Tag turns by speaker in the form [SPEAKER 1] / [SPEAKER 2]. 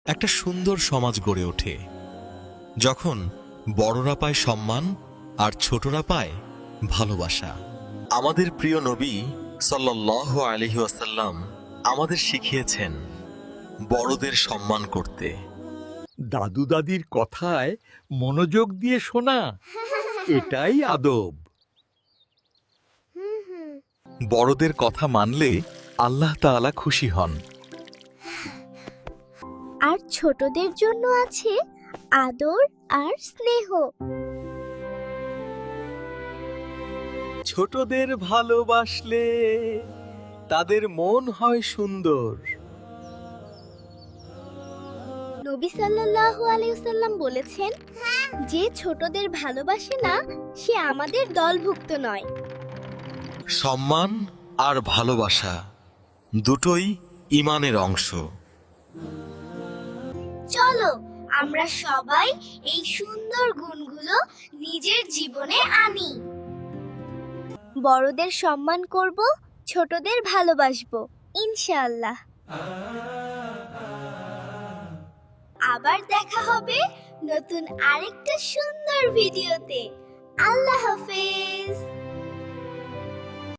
[SPEAKER 1] একটা সুন্দর সমাজ গড়ে ওঠে যখন বড়রা পায় সম্মান আর ছোটরা পায় ভালোবাসা। আমাদের প্রিয় নবী সাল্লাল্লাহু আলাইহি ওয়াসাল্লাম আমাদের শিখিয়েছেন বড়দের সম্মান করতে।
[SPEAKER 2] দাদু দাদির কথায় মনোযোগ দিয়ে শোনা, এটাই আদব।
[SPEAKER 1] বড়দের কথা মানলে আল্লাহ তাআলা খুশি হন।
[SPEAKER 3] আর ছোটদের জন্য আছে আদর আর স্নেহ।
[SPEAKER 2] ছোটদের ভালোবাসলে তাদের মন হয় সুন্দর।
[SPEAKER 3] নবী সাল্লাল্লাহু আলাইহি ওয়াসাল্লাম বলেছেন, যে ছোটদের ভালোবাসে না সে আমাদের দলভুক্ত নয়।
[SPEAKER 1] সম্মান আর ভালোবাসা দুটোই ঈমানের অংশ।
[SPEAKER 3] চলো আমরা সবাই এই সুন্দর গুণগুলো নিজের জীবনে আনি। বড়দের সম্মান করব, ছোটদের ভালোবাসবো, ইনশাআল্লাহ। আবার দেখা হবে নতুন আরেকটা সুন্দর ভিডিওতে। আল্লাহ হাফেজ।